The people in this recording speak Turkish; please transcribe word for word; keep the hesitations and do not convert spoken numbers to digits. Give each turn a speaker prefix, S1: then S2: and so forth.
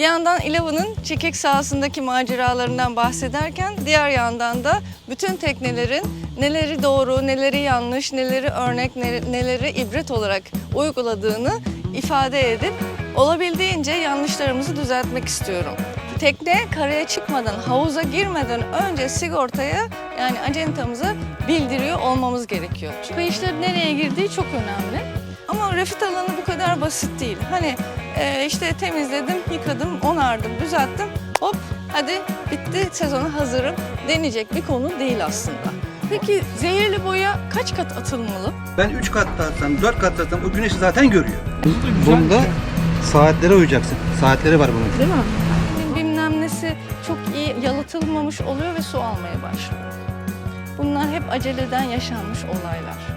S1: Bir yandan Ilava'nın çekik sahasındaki maceralarından bahsederken diğer yandan da bütün teknelerin neleri doğru, neleri yanlış, neleri örnek, neleri ibret olarak uyguladığını ifade edip olabildiğince yanlışlarımızı düzeltmek istiyorum. Tekne karaya çıkmadan, havuza girmeden önce sigortaya yani acentamıza bildiriyor olmamız gerekiyor. Kayışların nereye girdiği çok önemli. Ama refit alanı bu kadar basit değil. Hani e, işte temizledim, yıkadım, onardım, düzelttim, hop hadi bitti, sezona hazırım deneyecek bir konu değil aslında. Peki zehirli boya kaç kat atılmalı?
S2: Ben üç kat atsam, dört kat atsam o güneşi zaten görüyor. Bunda saatlere uyacaksın. Saatleri var bunun.
S1: Değil mi? Bilmem nesi çok iyi yalıtılmamış oluyor ve su almaya başlıyor. Bunlar hep aceleden yaşanmış olaylar.